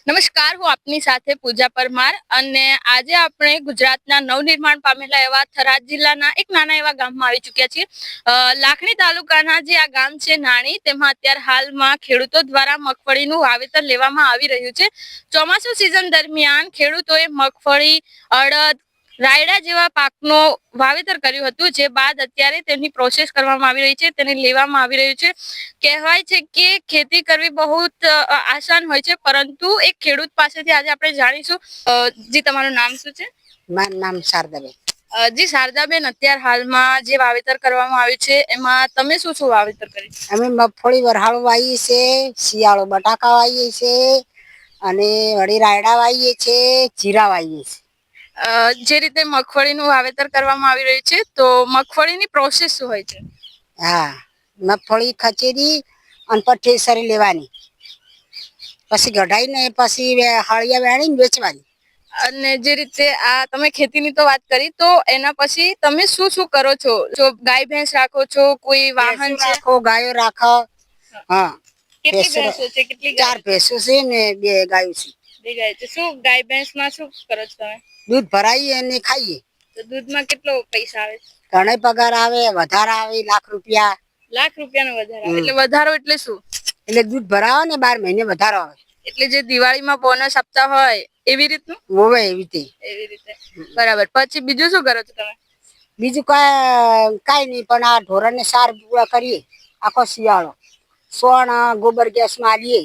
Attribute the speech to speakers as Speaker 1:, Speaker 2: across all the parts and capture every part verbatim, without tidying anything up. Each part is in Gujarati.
Speaker 1: નમસ્કાર, હું આપની સાથે પૂજા પરમાર અને આજે આપણે ગુજરાતના નવનિર્માણ પામેલા એવા થરાદ જિલ્લાના એક નાના એવા ગામમાં આવી ચૂક્યા છીએ. લાખણી તાલુકાના જે આ ગામ છે નાણી, તેમાં અત્યારે હાલમાં ખેડૂતો દ્વારા મગફળીનું વાવેતર લેવામાં આવી રહ્યું છે. ચોમાસુ સિઝન દરમિયાન ખેડૂતોએ મગફળી, અડદ, રાયડા જેવા પાકનો વાવેતર કર્યું હતું, જે બાદ અત્યારે તેની પ્રોસેસ કરવામાં આવી રહી છે, તેને લેવામાં આવી રહ્યું છે. કહેવાય છે કે ખેતી કરવી બહુ આસાન હોય છે, પરંતુ એક ખેડૂત પાસેથી આજે આપણે જાણીશું. જી, તમારું નામ શું છે?
Speaker 2: મારું નામ શારદાબેન.
Speaker 1: જી શારદાબેન, અત્યારે હાલમાં જે વાવેતર કરવામાં આવ્યું છે એમાં તમે શું શું વાવેતર કર્યું?
Speaker 2: અમે મગફળી વરહાળો વાવીએ છે, શિયાળો બટાકા વાવીએ છે અને વળી રાયડા વાવીએ છે, જીરા વાવીએ છે.
Speaker 1: જે રીતે મગફળીનું વાવેતર કરવામાં આવી રહ્યું છે, તો મગફળીની પ્રોસેસ શું હોય છે?
Speaker 2: હા, મગફળી ખચેરી અને પછી ઠેસરી લેવાની, પછી કઢાઈને પછી હળિયા વેણીને વેચવાની.
Speaker 1: અને જે રીતે આ તમે ખેતીની તો વાત કરી, તો એના પછી તમે શું શું કરો છો? જો ગાય ભેંસ રાખો છો, કોઈ વાહન છે?
Speaker 2: રાખો, ગાયો રાખો. હા,
Speaker 1: કેટલી ભેંસો છે? કેટલી
Speaker 2: ચાર ભેંસો છે ને બે ગાયો છે.
Speaker 1: બે ગાય છે. શું ગાય ભેંસ માં શું કરો છો તમે?
Speaker 2: દૂધ ભરાઈએ અને ખાઈએ.
Speaker 1: તો દૂધમાં કેટલો પૈસા આવે?
Speaker 2: ઘણા પગાર આવે, વધારે આવે, લાખ રૂપિયા.
Speaker 1: લાખ રૂપિયાનો વધારો આવે. એટલે વધારો એટલે શું?
Speaker 2: એટલે દૂધ ભરાવો ને બાર મહિને વધારો આવે.
Speaker 1: એટલે જે દિવાળીમાં બોનસ આપતા હોય એવી રીતનું?
Speaker 2: હોવે એવી રીતે.
Speaker 1: એવી રીતે, બરાબર. પછી બીજું શું કરો છો તમે?
Speaker 2: બીજું કઈ કઈ નહીં, પણ આ ઢોરને સાર પૂરા કરીએ આખો શિયાળો. સોણ ગોબર ગેસ માં આલીએ.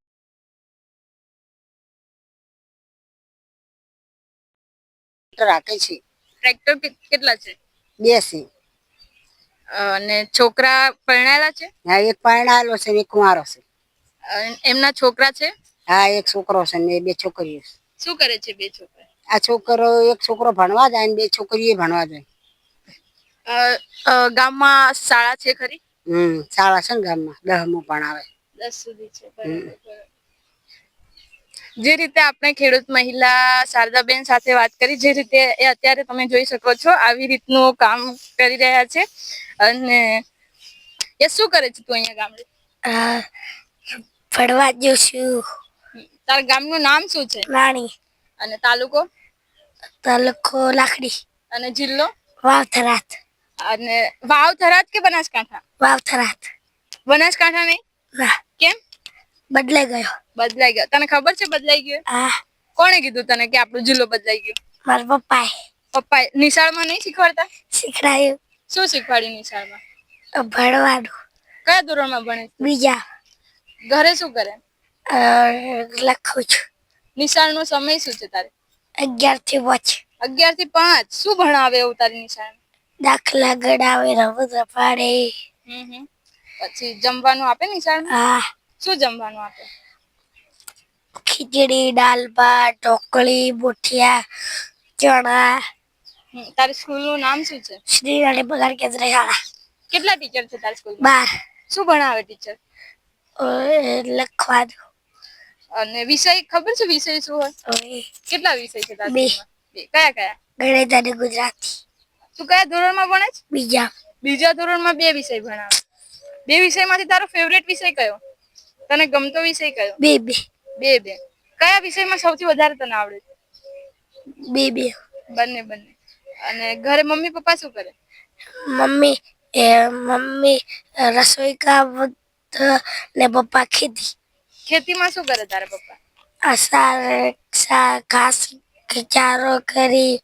Speaker 2: રાખે છે.
Speaker 1: ટ્રેક્ટર કેટલા છે?
Speaker 2: બે છે.
Speaker 1: અને છોકરા પરણાયેલા છે?
Speaker 2: હા, એક પરણાયેલો છે, એક કુંવારો છે.
Speaker 1: એમના છોકરા છે?
Speaker 2: હા, એક છોકરો છે ને બે છોકરીઓ છે.
Speaker 1: શું કરે છે બે છોકરા?
Speaker 2: આ છોકરો એક છોકરો ભણવા જાય ને બે છોકરીઓ ભણવા જાય.
Speaker 1: ગામમાં શાળા છે ખરી?
Speaker 2: હમ, શાળા છે ને ગામમાં, દસમું ભણાવે.
Speaker 1: દસ સુધી છે. જે રીતે આપણે ખેડૂત મહિલા શારદાબેન સાથે વાત કરી, જે રીતે એ અત્યારે તમે જોઈ શકો છો આવી રીતનું કામ કરી રહ્યા છે. અને એ શું કરે છે તું અહીંયા ગામડે?
Speaker 3: ફરવા જશું.
Speaker 1: તારા ગામનું નામ શું છે?
Speaker 3: નાણી.
Speaker 1: અને તાલુકો?
Speaker 3: તાલુકો લાખણી.
Speaker 1: અને જિલ્લો?
Speaker 3: વાવ થરાદ.
Speaker 1: અને વાવ થરાદ કે બનાસકાંઠા?
Speaker 3: વાવ થરાદ.
Speaker 1: બનાસકાંઠા નહીં?
Speaker 3: ના.
Speaker 1: કેમ?
Speaker 3: બદલાઈ ગયો.
Speaker 1: બદલાઈ ગયો. તને ખબર છે બદલાઈ ગયો?
Speaker 3: હા.
Speaker 1: કોણે કીધું તને કે આપણો જિલ્લો બદલાઈ ગયો?
Speaker 3: મારા પપ્પાએ.
Speaker 1: પપ્પાએ. નિશાળમાં નહીં શીખવાડતા?
Speaker 3: શીખડાયું.
Speaker 1: શું શીખવાડ્યું નિશાળમાં?
Speaker 3: ભણવાનું.
Speaker 1: કયા ધોરણમાં ભણે?
Speaker 3: બીજા.
Speaker 1: ઘરે શું કરે?
Speaker 3: લખું છું.
Speaker 1: નિશાળનો સમય શું છે તારે?
Speaker 3: અગિયાર થી પાંચ.
Speaker 1: અગિયાર થી પાંચ. શું ભણાવે એવું તારી નિશાળ?
Speaker 3: દાખલા ગણાવે, રમત રપાડે.
Speaker 1: હમ હમ. પછી જમવાનું આપે નિશાળમાં?
Speaker 3: હા.
Speaker 1: શું જમવાનું આપે?
Speaker 3: ખીચડી, દાળ ભાત, ઢોકળી, મુઠિયા, ચણા.
Speaker 1: તારી સ્કૂલ નું નામ શું છે?
Speaker 3: શ્રી રાણી પગાર કેન્દ્ર શાળા.
Speaker 1: કેટલા ટીચર છે તારી સ્કૂલમાં?
Speaker 3: બાર. શું
Speaker 1: ભણાવે ટીચર?
Speaker 3: લખવાનું.
Speaker 1: અને વિષય ખબર છે વિષય શું હોય? કેટલા વિષય છે તારી સ્કૂલમાં? બે. કયા કયા?
Speaker 3: ગણિત અને ગુજરાતી.
Speaker 1: તું કયા ધોરણમાં ભણે છે?
Speaker 3: બીજા.
Speaker 1: બીજા ધોરણમાં બે વિષય ભણાવે. બે વિષયમાંથી તારો ફેવરેટ વિષય કયો? તને ગમતો વિષય કયો?
Speaker 3: બે બે.
Speaker 1: બે બે. કયા વિષયમાં સૌથી વધારે તને આવડે છે?
Speaker 3: બે બે.
Speaker 1: બંને બંને. અને ઘરે મમ્મી પપ્પા શું કરે?
Speaker 3: મમ્મી એ મમ્મી રસોઈ કામ ને પપ્પા ખેતી.
Speaker 1: ખેતીમાં શું કરે તારા પપ્પા?
Speaker 3: આસાર ઘાસ ચારો કરી,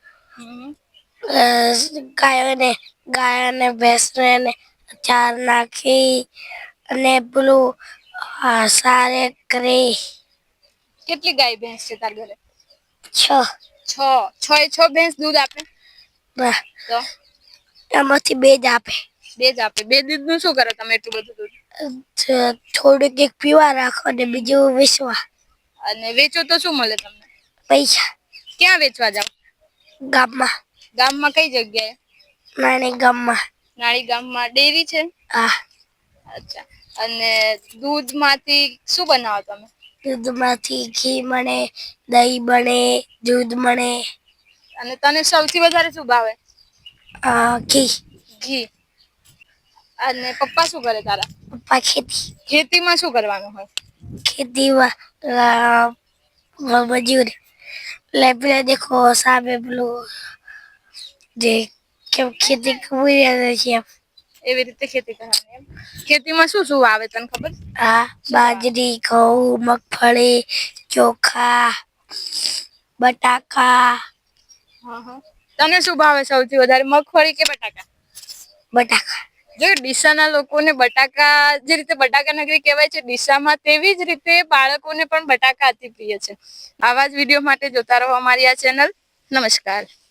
Speaker 3: ગાયોને ગાયોને ભેંસને ચાર નાખી અને પેલું સારે કરી.
Speaker 1: કેટલી ગાય ભેંસ છે તારા ઘરે?
Speaker 3: છ.
Speaker 1: છ. છ એ છ ભેંસ દૂધ આપે? તો
Speaker 3: એમાંથી બે જ આપે.
Speaker 1: બે જ આપે. બે દૂધ નું શું કરો તમે એટલું બધું દૂધ?
Speaker 3: થોડુંક એક પીવા રાખો ને બીજું વેચવા.
Speaker 1: અને વેચો તો શું મળે તમને?
Speaker 3: પૈસા.
Speaker 1: ક્યાં વેચવા જાવ?
Speaker 3: ગામમાં.
Speaker 1: ગામમાં કઈ જગ્યાએ?
Speaker 3: નાની ગામમાં.
Speaker 1: નાની ગામમાં ડેરી છે?
Speaker 3: હા.
Speaker 1: અચ્છા. અને દૂધ માંથી શું બનાવો તમે?
Speaker 3: દૂધમાંથી ઘી બને, દહીં બને, દૂધ બને.
Speaker 1: અને તને સૌથી વધારે શું ભાવે?
Speaker 3: ઘી.
Speaker 1: ઘી. અને પપ્પા શું કરે તારા?
Speaker 3: પપ્પા ખેતી.
Speaker 1: ખેતીમાં શું કરવાનું હોય?
Speaker 3: ખેતીમાં મજૂર એટલે પેલા દેખો સામે પેલું જે કેમ ખેતી કરી રહ્યા છે એમ.
Speaker 1: એવી રીતે ખેતી કરવાની એમ. ખેતીમાં શું શું વાવે તને ખબર છે?
Speaker 3: હા બાજરી ઘઉં મગફળી ચોખા બટાકા
Speaker 1: હા હા. તને શું ભાવે સૌથી વધારે, મગફળી કે બટાકા?
Speaker 3: બટાકા.
Speaker 1: જો ડીસાના લોકોને બટાકા, જે રીતે બટાકા નગરી કહેવાય છે ડીસામાં, તેવી જ રીતે બાળકોને પણ બટાકા અતિ પ્રિય છે. આવા જ વિડીયો માટે જોતા રહો અમારી આ ચેનલ. નમસ્કાર.